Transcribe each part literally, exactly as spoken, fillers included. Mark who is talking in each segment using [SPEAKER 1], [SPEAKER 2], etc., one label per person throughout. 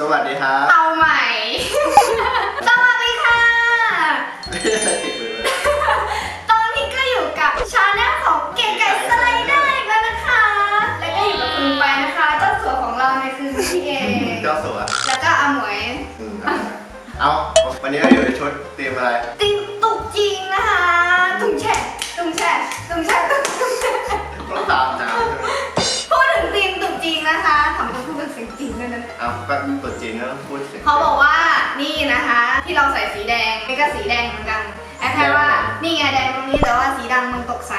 [SPEAKER 1] สวัสดีครับ
[SPEAKER 2] เอาใหม่ สวัสดีค่ะตอนนี้ก็อยู่กับชาแนลของเก๋ไก่สไลเดอร์อีกแล้วนะคะ แล้วก็อยู่กับคุณไปนะคะเจ้าสัวของเราในคืนที่เอ
[SPEAKER 1] เจ้าสัว
[SPEAKER 2] แล้วก็อาหมวย
[SPEAKER 1] เอาวันนี้เราอยู่ในชุดธีมอะไร
[SPEAKER 2] ธีมตุกจริงนะคะตุงแช่ตุงแช่ตุงแช่ตุงแช่
[SPEAKER 1] ต้องตามจ้า
[SPEAKER 2] พูดถึงธีมตุกจริงนะคะทำต้องพูดเป็นเสียงจริงด้วยนะ
[SPEAKER 1] เอาก็ตุกจริงก็ต้องพูดเสียง
[SPEAKER 2] เขาบอกว่านี่นะคะที่เราใส่สีแดงนี่ก็สีแดงเหมือนกันแค่ว่านี่ไงแดงตรงนี้แต่ว่าสีดำมันตกใส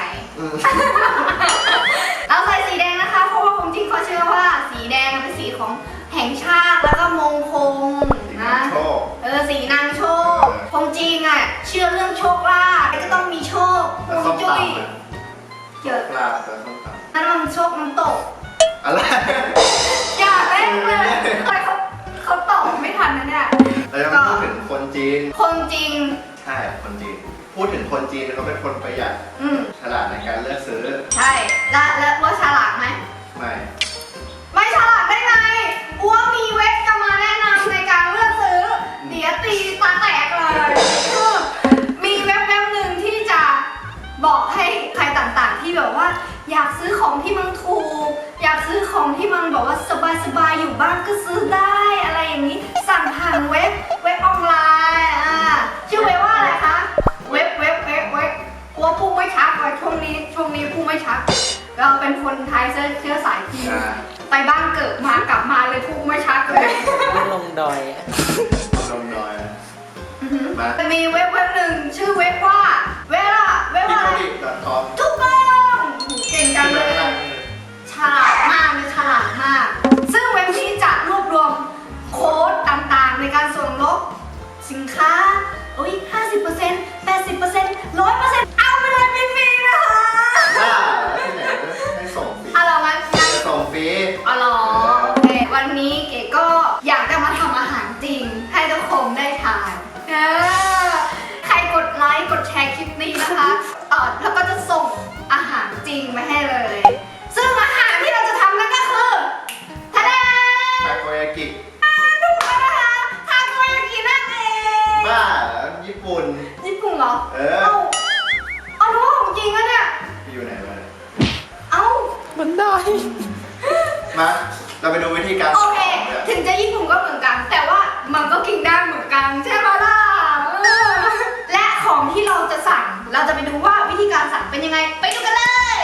[SPEAKER 2] เราใส่สีแดงนะคะเพราะว่าผมจริงเขาเชื่อว่าสีแดงเป็นสีของแห่งชาติแล้วก็มงคลนะเออสีนางโชคผมจริงอ่ะเชื่อเรื่องโชคลาภก็ต้องมีโชคฮวงจุ้ย
[SPEAKER 1] เยอะลาบแต่ต้องตาม
[SPEAKER 2] นั่นมันโชคมันตก
[SPEAKER 1] อะไร
[SPEAKER 2] อย่าเล่นเลยเขาเขาตอบไม่ทันนะเนี่ย
[SPEAKER 1] เราจะพูดถึงคนจีน
[SPEAKER 2] คนจีน
[SPEAKER 1] ใช่คนจีนพูดถึงคนจีนเขาเป็นคนประหยัดฉลาดในการเลือกซื้อ
[SPEAKER 2] ใช่แล้วแล้วว่าฉลาดไหม
[SPEAKER 1] ไม่
[SPEAKER 2] ไม่ฉลาดได้ไงอ้วมีเว็บจะมาแนะนำในการเลือกซื้อเดี๋ยวตีตาแตกเลยมีเว็บเว็บหนึ่งที่จะบอกให้ใครต่างๆที่แบบว่าอยากซื้อของที่มันถูกอยากซื้อของที่มันบอกว่าสบายๆอยู่บ้านก็ซื้อได้อะไรอย่างนี้สั่งผ่านเว็บเว็บออนไลน์อ่าชื่อเว็บว่าอะไรคะเว็บเว็บเว็บเว็บกลัวพูดไม่ชัดเลยช่วงนี้ช่วงนี้พูดไม่ชัดเราเป็นคนไทยเชื้อสายจีนไปบ้านเกิดมากลับมาเลยพูดไม่ชัดเลย
[SPEAKER 3] ลงดอย
[SPEAKER 1] ลงดอย
[SPEAKER 2] จะมีเว็บเว็บหนึ่งชื่อเว็บว่าเว็บอะเว็บอะไรทุกคนเก่งจังเลยฉลาดมากเลยฉลาดมากซึ่งเว็บนี้จะรวบรวมโค้ดต่างๆในการส่วนลดสินค้าโอ้ย ห้าสิบเปอร์เซ็นต์ แปดสิบเปอร์เซ็นต์ ร้อยเปอร์เซ็นต์ เอาไปเลยฟรีๆนะคะ
[SPEAKER 1] อ่าที่ไหนให้ส่งฟรี
[SPEAKER 2] อ๋อเหรองั้น
[SPEAKER 1] จะส่งฟรี
[SPEAKER 2] อ๋อเหรอโอเควันนี้เก๋ก็อยากจะมาทำอาหารจริงให้ทุกคนได้ทานเออใครกดไลค์กดแชร์คลิปนี้นะคะต่อแล้วก็จะส่งอาหารจริงมาให้เลยซึ่งอาหารที่เราจะทำนั่นก็คือทะเล
[SPEAKER 1] ทาโกยากิ
[SPEAKER 2] ถูกแล้วนะคะทาโกยากินั่นเอง
[SPEAKER 1] บ้าญี่ปุ่น
[SPEAKER 2] ญี่ปุ่นเหรอ
[SPEAKER 1] เออเอา
[SPEAKER 2] เอารู้ว่าของจริงแล้วเนี่ย
[SPEAKER 1] อยู่ไหนมา
[SPEAKER 2] เอ้า
[SPEAKER 3] มันได้
[SPEAKER 1] มาเราไปดูวิธีการ
[SPEAKER 2] โอเคถึงจะญี่ปุ่นก็เหมือนกันแต่ว่ามันก็กินได้เหมือนกันใช่ไหมล่ะและของที่เราจะสั่งเราจะไปดูว่าวิธีการสั่งเป็นยังไงไปดูกันเลย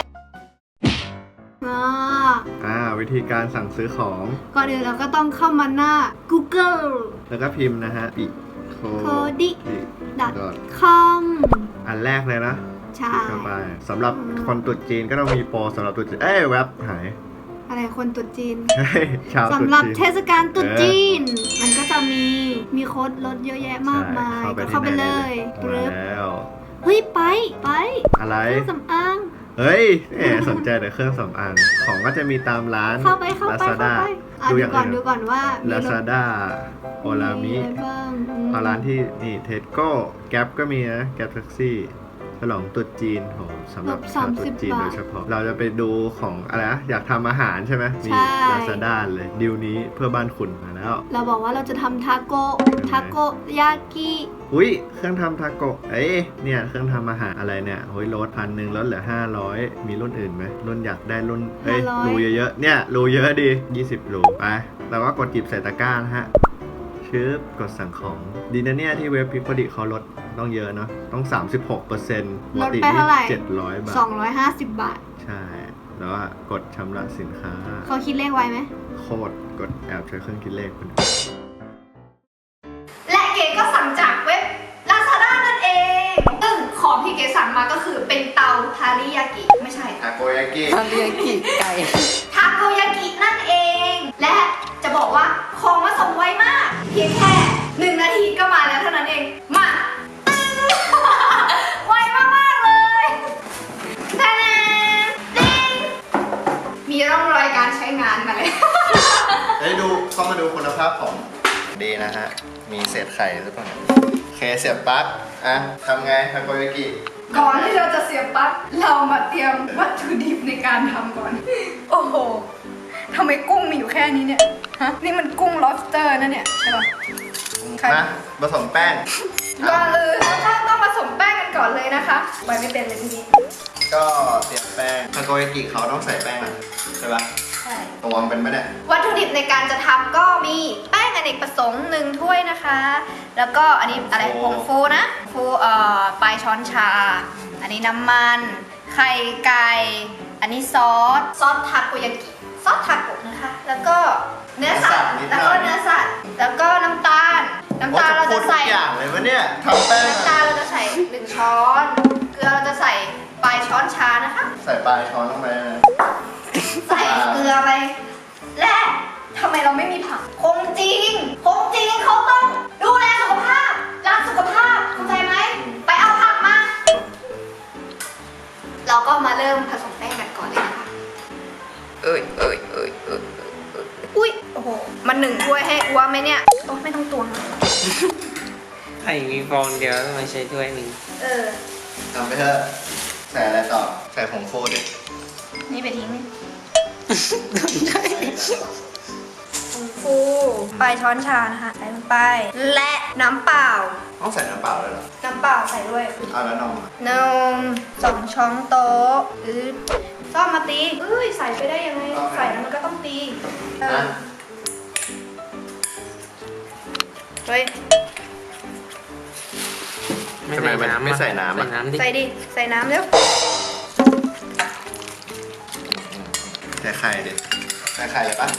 [SPEAKER 1] อ่าวิธีการสั่งซื้อของ
[SPEAKER 2] ก่อนอื่นเราก็ต้องเข้ามาหน้า Google
[SPEAKER 1] แล้วก็พิมพ์นะฮะปิโค
[SPEAKER 2] ดิ คอม
[SPEAKER 1] อันแรกเลยนะ
[SPEAKER 2] ใช่
[SPEAKER 1] เข้าไปสำหรับคนตุ๊ดจีนก็ต้องมีโปรสำหรับตุ๊ดจีนเอ้ยแว็บหาย
[SPEAKER 2] อะไรคนตุ๊ดจีน
[SPEAKER 1] ชาว
[SPEAKER 2] สำหรับเทศกาลตุ๊ดจีนมันก็จะมีมีโค้ดลดเยอะแยะมากมายก็เข้าไปเลย
[SPEAKER 1] แล้ว
[SPEAKER 2] เฮ้ยไปไป
[SPEAKER 1] อะไร
[SPEAKER 2] เครื่องสำอาง
[SPEAKER 1] เฮ้ยแหมสนใจแต่เครื่องสำอางของก็จะมีตามร้าน
[SPEAKER 2] เข้าไปเข้าไปเข้าไปดูก่อนดูก่อนว่า
[SPEAKER 1] Lazada โอลามิเอาร้านที่นี่เทสโก้แก๊ปก็มีนะแก๊ปแท็กซี่ฉลองตุ๊ดจีนของสำหรับชาวตุ๊ดจีนโดยเฉพาะเราจะไปดูของอะไรนะอยากทำอาหารใช่ไหมมี Lazada เลยดิวนี้เพื่อบ้านคุณมาแล้ว
[SPEAKER 2] เราบอกว่าเราจะทำทาโกทาโกยากิ
[SPEAKER 1] อุ้ยเครื่องทำทาโกเอ้ยเนี่ยเครื่องทำอาหารอะไรเนี่ยโอ้ยลดพันหนึ่งลดเหลือห้าร้อยมีรุ่นอื่นไหมรุ่นอยากได้รุ่นเอ้ยรูเยอะๆเนี่ยรูเยอะดียี่สิบรูไปเราก็กดจิบใส่ตะกร้านะฮะชืบกดสั่งของดีนะเนี่ยที่เว็บพิกพอดีเขาลดต้องเยอะเนาะต้อง สามสิบหกเปอร์เซ็นต์
[SPEAKER 2] ลดไปเท่าไหร่
[SPEAKER 1] เจ็ดร้อยบาท
[SPEAKER 2] สองร้อยห้าสิบบาท
[SPEAKER 1] ใช่แล้วก็กดชำระสินค้า
[SPEAKER 2] เขาคิดเลขไว้ไหม
[SPEAKER 1] โคตรกดแอบใช้เครื่องคิดเลขคน
[SPEAKER 2] และเก๋ก็สั่งจากเว็บ Lazada นั่นเองซึ่งของที่เก๋สั่งมาก็คือเป็นเตาทาริยากิไม่ใช่
[SPEAKER 1] ทาโกยากิ
[SPEAKER 3] ทาริยากิไก่
[SPEAKER 2] ทาโกยากินั่นเองและจะบอกว่าของมาส่งไวมากเพียงแค่หนึ่งนาทีก็มาแล้วเท่านั้นเองมาไวมากๆเลยแท้ดิ้งมีร่องรอยการใช้งานมาเลย
[SPEAKER 1] เฮ้ยดูเข้ามาดูคุณภาพของดีนะฮะมีเศษไข่หรือเปล่าเคเสียบปลั๊กอ่ะทำไงทาโกยากิ
[SPEAKER 2] ก่อนที่เราจะเสียบปลั๊กเรามาเตรียมวัตถุดิบในการทำก่อนโอ้โหททำไมกุ้งมีอยู่แค่นี้เนี่ย ฮะ นี่มันกุ้ง lobster นะเนี่ยใช่ป่ะ ใคร
[SPEAKER 1] นะผสมแป้ง
[SPEAKER 2] ก่อนเลยต้องต้องผสมแป้งกันก่อนเลยนะคะไปไม่เป็นเลยทีนี้
[SPEAKER 1] ก็เตรียมแป้งทาโกยากิเขาต้องใส่แป้งอ่ะใช่ปะ
[SPEAKER 2] ใช่
[SPEAKER 1] ตวงเป็นไหมเนี่ย
[SPEAKER 2] วัตถุดิบในการจะทำก็มีแป้งอเนกประสงค์หนึ่งถ้วยนะคะ แล้วก็อันนี้อะไรผงฟูนะฟูเอ่อปลายช้อนชา อันนี้น้ำมัน ไข่ไก่ อันนี้ซอส ซอสทาโกยากิ ซอสทาโกะนะคะ แล้วก็เนื้อสัตว์ แล้วก็เนื้อสัตว์ แล้วก็น้ำตาล น้ำตาลเราจะใส่
[SPEAKER 1] โอ้จะพูดทุกอย่างเลยวะเนี่ยทำแป้ง
[SPEAKER 2] น้ำตาลเราจะใส่หนึ่งช้อน เกลือเราจะใส่ปลายช้อนชานะคะ
[SPEAKER 1] ใส่ปลายช้อนลงไปนะ
[SPEAKER 2] ใส่เกลือไป และทำไมเราไม่มีผัก คงจริง คงจริงเขาต้องดูแลสุขภาพ รักสุขภาพ เข้าใจไหม ไปเอาผักมา เราก็มาเริ่มผสมแป้งกันก่อนเลยนะคะ เอ้ยเอ้ยเอ้ยเอ้ยเอ้ยเอ้ยอุ้ย โอ้โห มันหนึ่งถ้วยให้อ้วไหมเนี่ย โอ้ไม่ต้องตวงเลย
[SPEAKER 3] ไข่มีฟองเดียวทำไมใช้ถ้วยหนึ่ง
[SPEAKER 2] เออ
[SPEAKER 1] ทำไปเถอะใส่อะไรต่อ ใส่ผงฟูดิ
[SPEAKER 2] นี่ไปทิ้งนี่ผงฟูปลายช้อนชานะคะใส่ลงไป และน้ำเปล่า
[SPEAKER 1] ต้องใส่น้ำเปล่าด้วยเหรอ
[SPEAKER 2] น้ำเปล่าใส่ด้วย
[SPEAKER 1] เอาแล้วนมอ่ะ
[SPEAKER 2] นมสองช้อนโต๊ะอือซ่อมมาตีเอ้ยใส่ไปได้ยังไง ใส่แล้วมันก็ต้องตีเออ
[SPEAKER 1] นะ
[SPEAKER 2] เฮ้ย
[SPEAKER 1] ทำไมมันไม่ใส่น้ำ
[SPEAKER 3] ใส่
[SPEAKER 1] อ่ะ
[SPEAKER 3] น้ำดิ
[SPEAKER 2] ใส่ดิ ใส่น้ำเร็ว
[SPEAKER 1] ใส่ไข่ดิใส่ไข่เลยปะ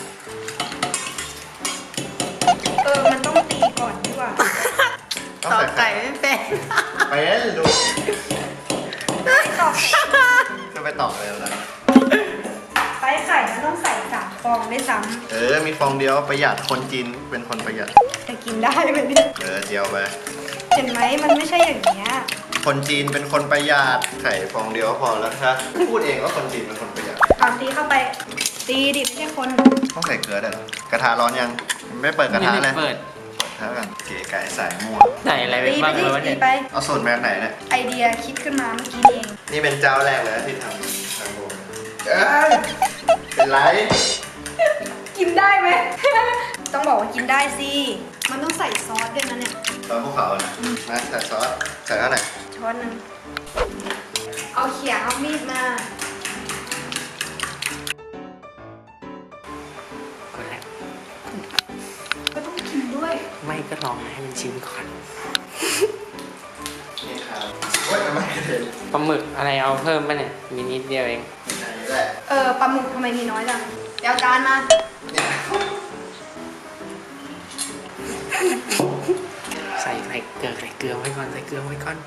[SPEAKER 2] เออ มันต้องตีก่อนดีกว่า
[SPEAKER 1] ต้อง
[SPEAKER 3] ตอก
[SPEAKER 1] ใส่
[SPEAKER 3] ไก่
[SPEAKER 1] ไข่
[SPEAKER 3] ไม่เป็น
[SPEAKER 1] ไปเล่นดู
[SPEAKER 2] ตอก
[SPEAKER 1] จะไปตอกเลยแล้ว
[SPEAKER 2] ไปไข่มันต้องใส่สามฟองได้วยซ้
[SPEAKER 1] เออ มีฟองเดียวประหยัดคนจีนเป็นคนประหยัด
[SPEAKER 2] ำจะกินได้ไหมเนี่ย
[SPEAKER 1] เออเดียวไป
[SPEAKER 2] เห็นไหมมันไม่ใช่อย่างเงี้ย
[SPEAKER 1] คนจีนเป็นคนประหยัดไข่ฟองเดียวก็พอแล้วครับพูดเองว่าคนจีนเป็นคนประหยัด
[SPEAKER 2] เอาตีเข้าไป ตีดิไม่ใช่คน
[SPEAKER 1] ต้องใส่เกลือด้วยเหรอ กระทะร้อนยัง ไม่เปิดกระทะ
[SPEAKER 3] ไม่
[SPEAKER 1] เล
[SPEAKER 3] ได้
[SPEAKER 1] ย
[SPEAKER 3] เปิด
[SPEAKER 1] เท่ากันเก๋ไก่สายมั่ว
[SPEAKER 3] ใส่อะไรไป
[SPEAKER 2] ตีไป
[SPEAKER 3] บ้าง
[SPEAKER 2] ดิ
[SPEAKER 3] เลยวะ
[SPEAKER 2] ตี
[SPEAKER 3] เนี่ย
[SPEAKER 2] ไป
[SPEAKER 1] เอาสูตรมาจากไหนเนี่ย
[SPEAKER 2] ไอเดียคิดขึ้นมาเมื่อกี้นี่เอง
[SPEAKER 1] นี่เป็นเจ้าแรกเลยนะที่ทำทางโบเอ้ยเป็นไร
[SPEAKER 2] กินได้ไหม ต้องบอกว่ากินได้สิ มันต้องใส่ซอสด้วยนะเนี่ย
[SPEAKER 1] ซอสภูเขานะมาใส่ซอส ใส่เท่าไหร่
[SPEAKER 2] ช้อนหนึ่ง เอาเขียงเอามีดมา
[SPEAKER 3] ก็แล้ว
[SPEAKER 2] ก็ต้องกินด้วย
[SPEAKER 3] ไม่ก็ลองให้มันชิมก่อน
[SPEAKER 1] นี่ครับโอ้ยทำไมกระเด็น
[SPEAKER 3] ปลาหมึกอะไรเอาเพิ่มป่ะเนี่ย มีนิดเดียวเอง
[SPEAKER 1] อันนี้แหละ
[SPEAKER 2] เออปลาหมึกทำไมมีน้อยจังเดี๋ยวเอาจานมา
[SPEAKER 1] เนี่ย
[SPEAKER 3] ใส่ใส่เกลือใส่เกลือไว้ก่อนใส่เกลือไว้ก่อน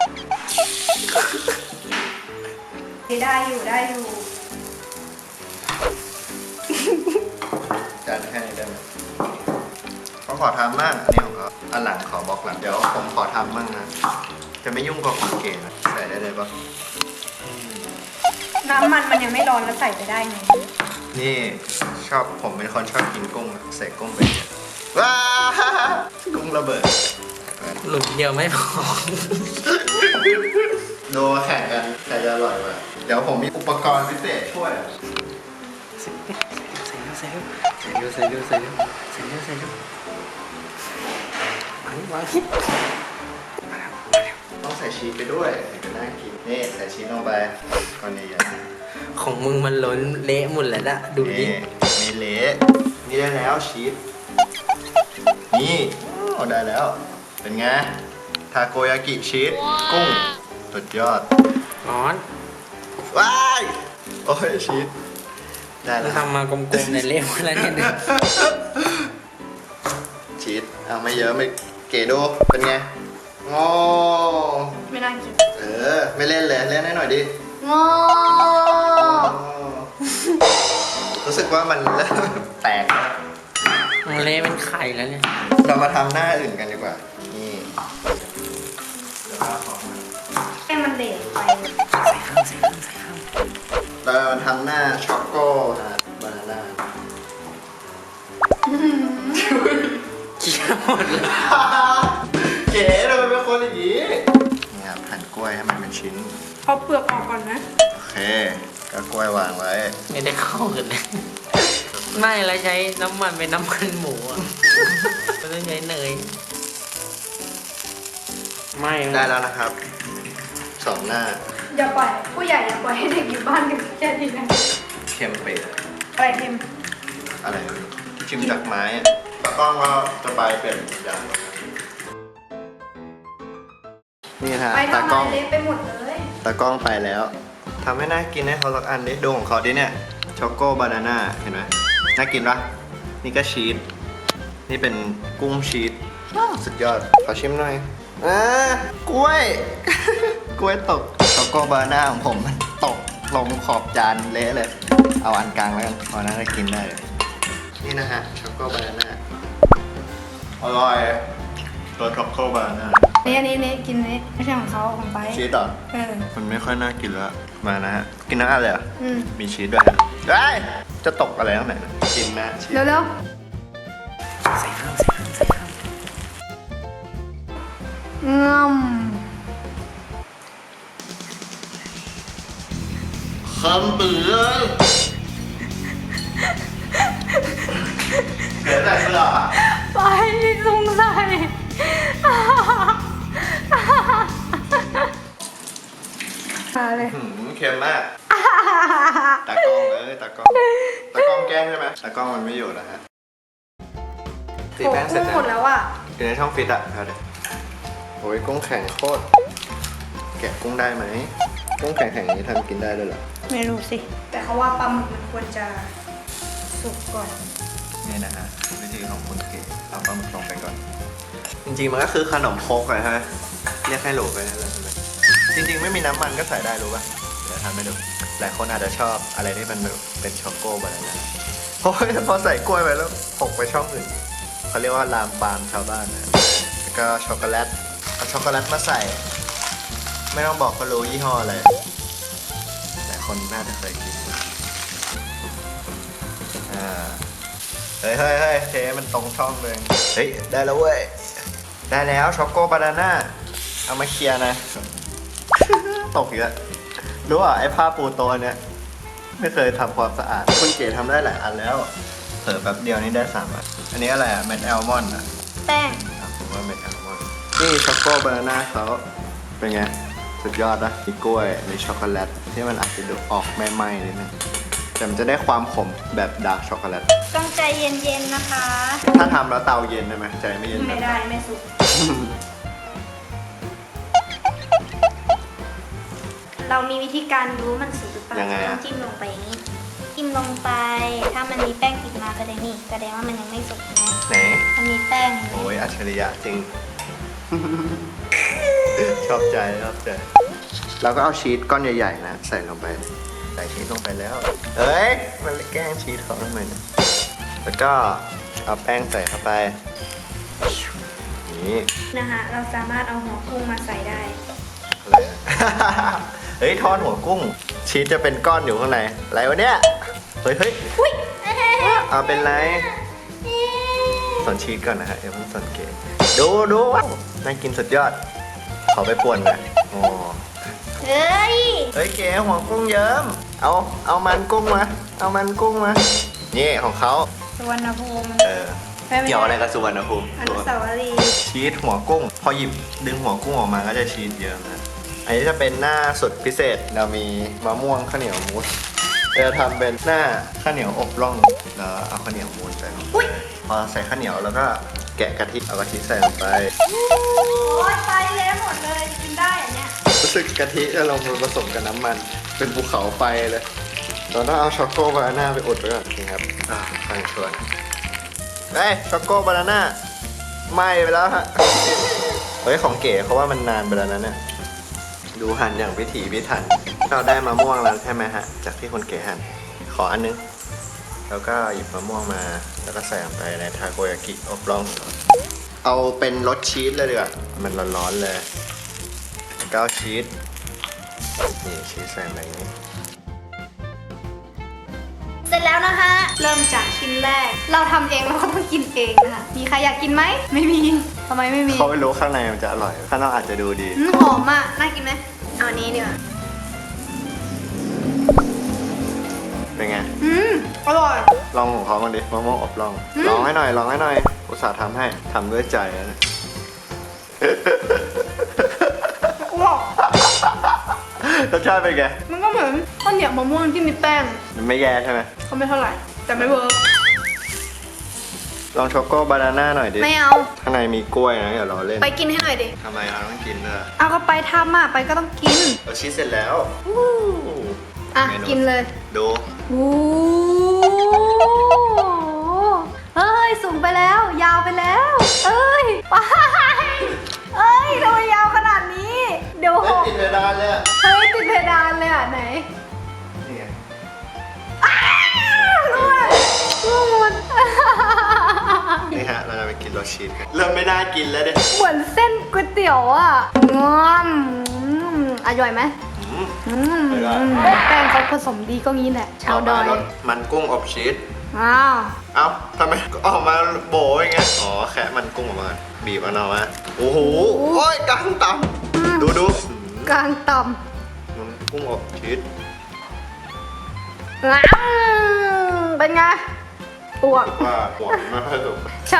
[SPEAKER 2] ได้อยู่ได้อยู่
[SPEAKER 1] จานแค่นี้ได้ไหมเขาขอทำบ้างอันนี้ของเขาอันหลังขอบล็อกหลัง เดี๋ยวผมขอทำบ้างนะ จะไม่ยุ่งกับของเก๋นะใส่ได้เลยปะ
[SPEAKER 2] น้ำมันมันยังไม่ร้อนแล้วใส่ไปได้ไง
[SPEAKER 1] นี่ชอบผมเป็นคนชอบกินกุ้งอะใส่กุ้งไปเนี่ยว้ากุ้งระเบิด
[SPEAKER 3] หลุมเดียวไม่พอ
[SPEAKER 1] ดูแข่งกันใครจะอร่อยกว่าเดี๋ยวผมมีอุปกรณ์พิเศษช่วย
[SPEAKER 3] ใส่เร็วใส่เร็วใส่เร็วใส่เร็วใส่เร็วใส่เร็วใส่เร็วใส่เร็ววางวาง
[SPEAKER 1] ต้องใส่ชีสไปด้วยถึงจะน่ากินนี่ใส่ชีสลงไปก่อนนี้อย่า
[SPEAKER 3] ของมึงมันล้นเละหมดแล้วนะดูดิ
[SPEAKER 1] นี่มีเละนี่ได้แล้วชีสนี่โอ้ได้แล้ว เป็นไงทาโกยากิชีสกุ้งสุดยอด
[SPEAKER 3] ร้อน
[SPEAKER 1] ว้ายโอ้ยชีสได้
[SPEAKER 3] เรา
[SPEAKER 1] แล้ว
[SPEAKER 3] ทำมากลมๆเนี่ยเละหมดแล้วเนี่ย
[SPEAKER 1] ชีสเอาไม่เยอะไม่เก๋ดูเป็นไงงอ
[SPEAKER 2] ไม่น่ากิน
[SPEAKER 1] เออไม่เล่นเลยเล่นให้หน่อยดิ
[SPEAKER 2] งอ
[SPEAKER 1] รู้สึกว่ามันเริ่มแตกแล้ว
[SPEAKER 3] มันเละเป็นไข่แล้วเนี่ย
[SPEAKER 1] เรามาทำหน้าอื่นกันดีกว่านี่เดี๋ยวเราของมัน
[SPEAKER 2] ให้มันเหลวไป
[SPEAKER 3] ใส่ข้าวใส่ข้าวใส่ข้าว
[SPEAKER 1] เรามาทำหน้าช็อกโกฮะบานาน่า
[SPEAKER 3] เคี่ยวหมดเลย
[SPEAKER 1] เก๋ทำไมเป็นคนอย่างนี้นี่ครับหั่นกล้วยให้มันเป็นชิ้น
[SPEAKER 2] เอาเปลือกออกก่อนนะ
[SPEAKER 1] โอเคก็กล้วยวางไว้
[SPEAKER 3] ไม่ได้เข้ากันเลย
[SPEAKER 1] ก
[SPEAKER 3] ไม่แล้วใช้น้ำมันเป็นน้ำมันหมูอ่ะไม่ต้องใช้เนยไม่
[SPEAKER 1] ได้แล้วนะครับสองหน้า
[SPEAKER 2] อย่าปล่อยผู้ใหญ่อย่าปล่อยให้เด็กอยู่บ้านกันแค่นี้นะ
[SPEAKER 1] เค็มเป๊ะ
[SPEAKER 2] อะไรเค็ม
[SPEAKER 1] อะไรไม่รู้ชิมจากไม้อะตากล้องก็จะไปเปลี่ยนอย่างนี่ฮะ
[SPEAKER 2] ไป
[SPEAKER 1] ตา
[SPEAKER 2] ทำ
[SPEAKER 1] กล้
[SPEAKER 2] อะ
[SPEAKER 1] อง
[SPEAKER 2] ไรเละไปหมดเลย
[SPEAKER 1] ตากล้องไปแล้วทำให้น่ากินให้เขาสักอันดิดูของเขาดิเนี่ยช็อกโกบานาน่าเห็นไหมน่ากินปะนี่ก็ชีสนี่เป็นกุ้งชีสสุดยอดขอชิมหน่อยอ่ากล้วย กล้วยตกช็อกโกบานาน่าของผมมันตกลงขอบจานเละเลย เอาอันกลางแล้วกันพอน่าจะกินได้เลยนี่นะฮะช็อกโกบานาน่าอร่อยตัวช็อกโกบานาน่า
[SPEAKER 2] นี่อันนี้นี่กินนี่ไม่ใช่ของเขาของไป
[SPEAKER 1] ชีสเหรอ
[SPEAKER 2] เออ
[SPEAKER 1] มันไม่ค่อยน่ากินแล้วมานะฮะกินทั้งอันเลยเหรอ
[SPEAKER 2] อืม
[SPEAKER 1] มีชีสด้วยฮะได้จะตกอะไรตั้งไหนนะกินนะชีส
[SPEAKER 2] เร็ว
[SPEAKER 3] ใส่ข้าวใส่ข้าวใส่ข้าว
[SPEAKER 2] ๆงอม
[SPEAKER 1] คำเบื่อเดี๋ยวแต่เสื้ออ่ะ
[SPEAKER 2] ไปสงสัย มาเลย
[SPEAKER 1] หืมเค็มมากตากล้องเลยตากล้องตากล้องแกล้งใช่ไหมตากล้องมันไม่อยู่แล้วฮะตี
[SPEAKER 2] โอ้
[SPEAKER 1] แป้งเสร็จ
[SPEAKER 2] กุ้งหมด
[SPEAKER 1] แล้ว
[SPEAKER 2] แล้วอ่ะ
[SPEAKER 1] อยู่ในช่องฟิตอ่ะเอาเดี๋ยวโอ้ยกุ้งแข็งโคตรแกะกุ้งได้ไหมกุ้งแข็งแข็งๆนี้ทำกินได้ด้วยเหรอ
[SPEAKER 2] ไม่รู้สิ แต่เขาว่าปลาหมึกมันควรจะสุกก่อน
[SPEAKER 1] นี่นะฮะวิธีของคุณเก๋เอาปลาหมึกลงไปก่อน จริงๆมันก็คือขนมครกเลยฮะเรียกให้โหลไปนั่นแหละใช่ไหมจริงๆไม่มีน้ำมันก็ใส่ได้รู้ป่ะเดี๋ยวทำให้ดูหลายคนอาจจะชอบอะไรที่มันแบบเป็นช็อกโกบานาน่าเพราะพอใส่กล้วยไปแล้วหกไปช่องอื่นเขาเรียกว่าลามปามชาวบ้านนะแล้วก็ช็อกโกแลตเอาช็อกโกแลตมาใส่ ไม่ต้องบอกก็รู้ยี่ห้ออะไรหลายคนน่าจะเคยกินอ่า เฮ้ยเฮ้ยเฮ้ยเทมันตรงช่องเลย เฮ้ย ได้แล้วเว้ย ได้แล้วช็อกโกบานาน่า เอามาเคลียร์นะ ตกอีกแล้วรู้อ่ะไอ้ผ้าปูโตัวเนี้ยไม่เคยทำความสะอาด คุณเก๋ทำได้หลายอันแล้ว เผลอแป๊บเดียวนี่ได้สามอัน อันนี้อะไรอ่ะเม็ดแอลมอนด์อ่ะ
[SPEAKER 2] แป้ง
[SPEAKER 1] อ่ะผมว่าเม็ดแอลมอนด์นี่ช็อกโกบานาน่าเขาเป็นไง สุดยอดนะมีกล้วยมีช็อกโกแลตที่มันอาจจะดูออกไม่ไหม้นิดนึงแต่มันจะได้ความขมแบบดาร์กช็อกโกแลต
[SPEAKER 2] ต้องใจเย็นๆนะคะ
[SPEAKER 1] ถ้าทำแล้วเตาเย็นได้ไหมใจไม่เย็น
[SPEAKER 2] ไม่ได้ไม่สุก เรามีวิธีการรู้มันสุกหรือเปล่า
[SPEAKER 1] ยังไง
[SPEAKER 2] ต้
[SPEAKER 1] อะ
[SPEAKER 2] องจิ้มลงไปอย่างนี้จิ้มลงไป ถ้ามันมีแป้งติดมาแสดงนี่แสดงว่ามันยังไม่สุกนะ
[SPEAKER 1] ไหน
[SPEAKER 2] มันมีแป้งเห็นไหม
[SPEAKER 1] โอ้ยอัจฉริยะจริง ชอบใจชอบใจเราก็เอาชีสก้อนใหญ่ๆนะใส่ลงไปใส่ชีสลงไปแล้วเอ้ยมันแกล้งชีสเขาทำไมเนี่ยแล้วก็เอาแป้งใส่เข้าไปนี่
[SPEAKER 2] นะคะเราสามารถเอาหัวกุ้งมาใส่ได้
[SPEAKER 1] อะไรอะ เฮ้ยทอดหัวกุ้ง ชีสจะเป็นก้อนอยู่ข้างในอะไรวะเนี่ยเฮ้ยเฮ้ย
[SPEAKER 2] อุ้ย
[SPEAKER 1] เอาเป็นไรสอนชีสก่อนนะฮะเดี๋ยวเพิ่งสอนเก๋ดูดูน่ากินสุดยอด ขอไปป่วนหน่อยโอ้
[SPEAKER 2] เฮ้ย
[SPEAKER 1] เฮ้ยเก๋หัวกุ้งเยิ้มเอาเอามันกุ้งมาเอามันกุ้งมานี่ของเขา
[SPEAKER 2] สุวรรณภูมิ
[SPEAKER 1] เออเกี่ยวอะไรกับสุวรรณภูมิ
[SPEAKER 2] อนุสาวรีย์
[SPEAKER 1] ชีสหัวกุ้ง พอหยิบดึงหัวกุ้งออกมาก็จะชีสเยอะนะอันนี้จะเป็นหน้าสุดพิเศษเรามีมะม่วงข้าวเหนียวมูสเราทำเป็นหน้าข้าวเหนียวอบร่องแล้วเอาข้าวเหนียวมูสใส่ลงไปพอใส่ข้าวเหนียวแล้วก็แกะกะทิเอากะทิใส่ลงไป
[SPEAKER 2] โอ้ยไปแล้วหมดเลยจะกินได้อันเนี้ย
[SPEAKER 1] รู้สึกกะทิจะลงมาผสมกับน้ำมัน เป็นภูเขาไฟเลยเราต้องเอาช็อกโกบานาน่าไปอุดไว้ก่อนนี่ครับอ่าฟังชวนเฮ้ยช็อกโกบานาน่าไหม้ไปแล้วฮะเฮ้ยของเก๋เขาว่ามันนานไปแล้วนะเนี่ยดูหั่นอย่างพิถีพิถันเราได้มะม่วงแล้วใช่ไหมฮะจากที่คนเก๋หั่นขออันนึงแล้วก็หยิบมะม่วงมาแล้วก็ใส่ลงไปในทาโกยากิอบร่องเอาเป็นรสชีสเลยดีกว่ามันร้อนๆเลยแล้วก็เอาชีสนี่ชีสใส่ไปอย่างนี้
[SPEAKER 2] เสร็จแล้วนะคะ เริ่มจากชิ้นแรก เราทำเองเราก็ต้องกินเองนะคะมีใครอยากกินไหมไม่มีทำไมไม่มี
[SPEAKER 1] เขาไม่รู้ข้างในมันจะอร่อย ข้างนอกอาจจะดูดี
[SPEAKER 2] อืมหอมอ่ะน่ากินไหมเอาอันนี้ดีกว่า
[SPEAKER 1] เป็นไง
[SPEAKER 2] อืมอร่อย
[SPEAKER 1] ลองของเขาบ้างดิมะม่วงอบลอง
[SPEAKER 2] อืม
[SPEAKER 1] ลองให้หน่อยลองให้หน่อยอุตส่าห์ทำให้ทำด้วยใจนะ
[SPEAKER 2] อ้วก
[SPEAKER 1] รสชาติเป็นไง
[SPEAKER 2] มันก็เหมือนข้าวเหนียวมะม่วงที่มีแป้ง
[SPEAKER 1] มันไม่แย่ใช่ไหม
[SPEAKER 2] เขาไม่เท่าไหร่ แต่ไม่เวิร์ก
[SPEAKER 1] ลองช็อกโกบานาน่าหน่อยดิ
[SPEAKER 2] ไม่เอา
[SPEAKER 1] ข้างในมีกล้วยนะอย่ารอเล่น
[SPEAKER 2] ไปกินให้หน่อยดิ
[SPEAKER 1] ทำไมเราต้องกินด้วย
[SPEAKER 2] เอาก็ไปทำอ่ะ ไปก็ต้องกิน
[SPEAKER 1] เราชีสเสร็จแล้ว
[SPEAKER 2] อ่ะ
[SPEAKER 1] เมนู
[SPEAKER 2] กินเลย
[SPEAKER 1] ดู
[SPEAKER 2] โอ้เอ้ย สูงไปแล้ว ยาวไปแล้ว เอ้ย ไป เอ้ยทำไมยาวขนาดนี้ เดี๋ยวห
[SPEAKER 1] เฮ้ย
[SPEAKER 2] ก
[SPEAKER 1] ติดเพดานเลยอะ
[SPEAKER 2] เฮ้ย ติดเพดานเลยอ่ะ ไหน
[SPEAKER 1] นี่ไง
[SPEAKER 2] อ้าวร่วงร่วงหมด
[SPEAKER 1] นี่ฮะ เราจะไปกินรสชีสกันเริ่มไม่น่ากินแล้วเด็
[SPEAKER 2] เหมือนเส้นก๋วยเตี๋ยวอ่ะงอมอร่อยไหมอืมแป้งเขาผสมดีก็งี้แหละชาวดอย
[SPEAKER 1] รสมันกุ้งอบชีส
[SPEAKER 2] อ้าว
[SPEAKER 1] เอ้าทำไมออกมาโบอย่างเงี้ยอ๋อแค่มันกุ้งออกมาบีบเอาเนาะมาโอ้โหโอ้ยกลางต่ำดูดู
[SPEAKER 2] กลางต่
[SPEAKER 1] มันกุ้งอบชีส
[SPEAKER 2] ำอ้าวเป็นไงปวก
[SPEAKER 1] ว่าหัวไม่ค่อยสุก
[SPEAKER 2] ใช่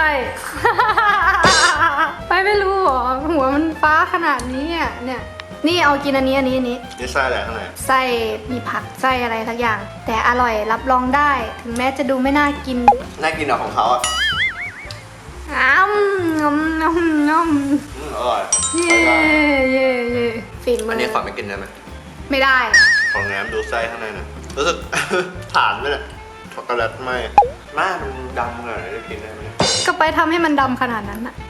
[SPEAKER 2] ไปไม่รู้หรอหัวมันฟ้าขนาดนี้อ่ะเนี่ย นี่เอากินอันนี้อันนี้อันนี้
[SPEAKER 1] นี่ไส้อะไรข้างใน
[SPEAKER 2] ไส้มีผักไส้อะไรสักอย่าง แต่อร่อยรับรองได้ ถึงแม้จะดูไม่น่ากิน
[SPEAKER 1] น่ากินเหรอของเขาอ่ะ
[SPEAKER 2] อ้าวงมงมงม
[SPEAKER 1] อืมอร่อย
[SPEAKER 2] เย่เย่เย่ฟิน
[SPEAKER 1] อั
[SPEAKER 2] มาน ก
[SPEAKER 1] นี้ขอไม่กินได้ไหม
[SPEAKER 2] ไม่ได้
[SPEAKER 1] ของแง้มดูไส้ข้างในหน่อยรู้สึก ฐานไหมเนี่ยช็อกโกแลตไหมหน้ามันดำขนาดไหนจะกินได้ไหมเนี่ย
[SPEAKER 2] ก็ไปทำให้มันดำขนาดนั้นอะ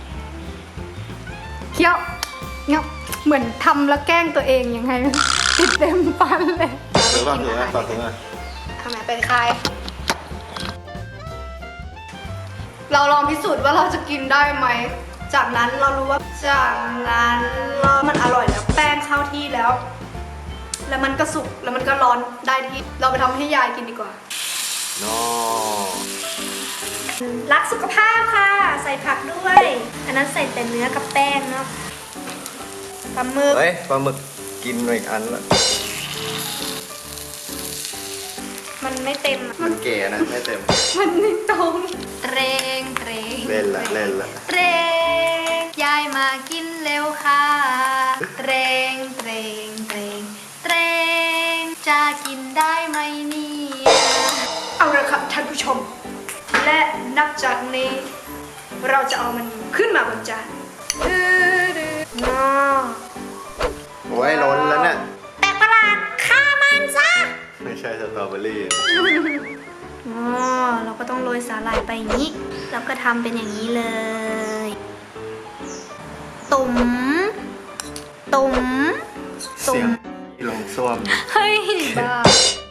[SPEAKER 2] เคี้ยวเงี้ยเหมือนทำแล้วแกล้งตัวเองยังไง ติดเต็มฟันเลย
[SPEAKER 1] ถือว่าถือว่าต่อถือว่า
[SPEAKER 2] ทำไมเป็นใคร เราลองพิสูจน์ว่าเราจะกินได้ไหม จากนั้นเรารู้ว่าจากนั้นเรามันอร่อยแล้วแป้งเข้าที่แล้ว แล้วมันก็สุกแล้วมันก็ร้อนได้ที่ เราไปทำให้ยายกินดีกว่า
[SPEAKER 1] โน่
[SPEAKER 2] รักสุขภาพค่ะ ใส่ผักด้วย อันนั้นใส่แต่เนื้อกับแป้งเนาะปลาหมึก
[SPEAKER 1] เฮ้ยปลาหมึกกินไปอีกอันละ
[SPEAKER 2] มันไม่เต็มอะ
[SPEAKER 1] มันเก๋นะไม่เต็ม
[SPEAKER 2] มันไม่ตรงเตรงเตรง
[SPEAKER 1] เล่นละเล่นละ
[SPEAKER 2] เตรงยายมากินเร็วค่ะเตรงเตรงเตรงเตรงจะกินได้ไหมเนี่ยเอาละครับท่านผู้ชม และนับจากนี้ เราจะเอามันขึ้นมาบนจานดื้อดื้อน้อ
[SPEAKER 1] โอ้ยล้นแล้วเนี่ย
[SPEAKER 2] แปลกประหลาดฆ่ามันซะ
[SPEAKER 1] ไม่ใช่สตรอเบอรี่
[SPEAKER 2] อ๋อเราก็ต้องโรยสาหร่ายไปอย่างนี้ แล้วก็ทำเป็นอย่างนี้เลย ตุ๋มตุ๋ม
[SPEAKER 1] เสียงลงส้วม
[SPEAKER 2] เฮ้ยบ้า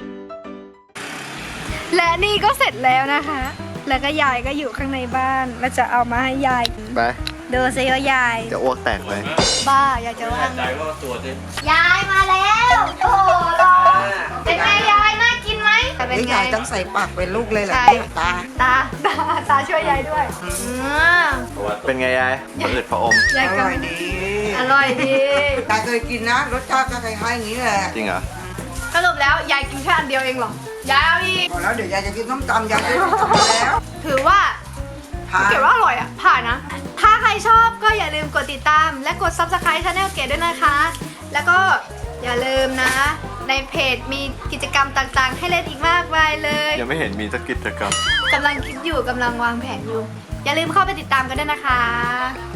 [SPEAKER 2] และนี่ก็เสร็จแล้วนะคะ แล้วก็ยายก็อยู่ข้างในบ้านเราจะเอามาให้ยาย
[SPEAKER 1] ไป
[SPEAKER 2] ดูซิว่ายาย
[SPEAKER 1] จะอ้วกแตกเลย
[SPEAKER 2] บ้ายายจะว่าไง
[SPEAKER 3] ใจว่าตัวจริง
[SPEAKER 2] ยายมาแล้ว โอ้โหรอเป็นไงยายน่ากินไหมเป็น
[SPEAKER 4] นี่
[SPEAKER 2] ไง
[SPEAKER 4] ยายต้องใส่ปากเป็นลูกเลยเหรอ
[SPEAKER 2] ใช่
[SPEAKER 4] เนี่ยตา
[SPEAKER 2] ตาตาตาช่วยยายด้วยอืม
[SPEAKER 1] เป็นไงยายผะอืดผะอม
[SPEAKER 2] ยาย
[SPEAKER 4] อ
[SPEAKER 2] ก็
[SPEAKER 4] ร่อยดี
[SPEAKER 2] อร่อยดี
[SPEAKER 4] ตาเคยกินนะ รสชาติก็คล้ายๆอย่างนี้แหละ
[SPEAKER 1] จริงเหรอ
[SPEAKER 2] สรุปแล้วยายกินแค่อันเดียวเองเหรอยายเอาอีก
[SPEAKER 4] พอแล้วเดี๋ยวยายจะกินส้มตำยายจะกินส้มตำแล้ว
[SPEAKER 2] ถือว่า
[SPEAKER 4] ผ่าน
[SPEAKER 2] เก๋ว่าอร่อยอ่ะ ผ่านนะ ถ้าใครชอบก็อย่าลืมกดติดตาม และกด ซับสไครบ์ Channel เก๋ด้วยนะคะ แล้วก็อย่าลืมนะ ในเพจมีกิจกรรมต่างๆ ให้เล่นอีกมากมายเลย
[SPEAKER 1] ยังไม่เห็นมีสักกิจกรรม
[SPEAKER 2] กำลังคิดอยู่กำลังวางแผนอยู่ อย่าลืมเข้าไปติดตามกันด้วยนะคะ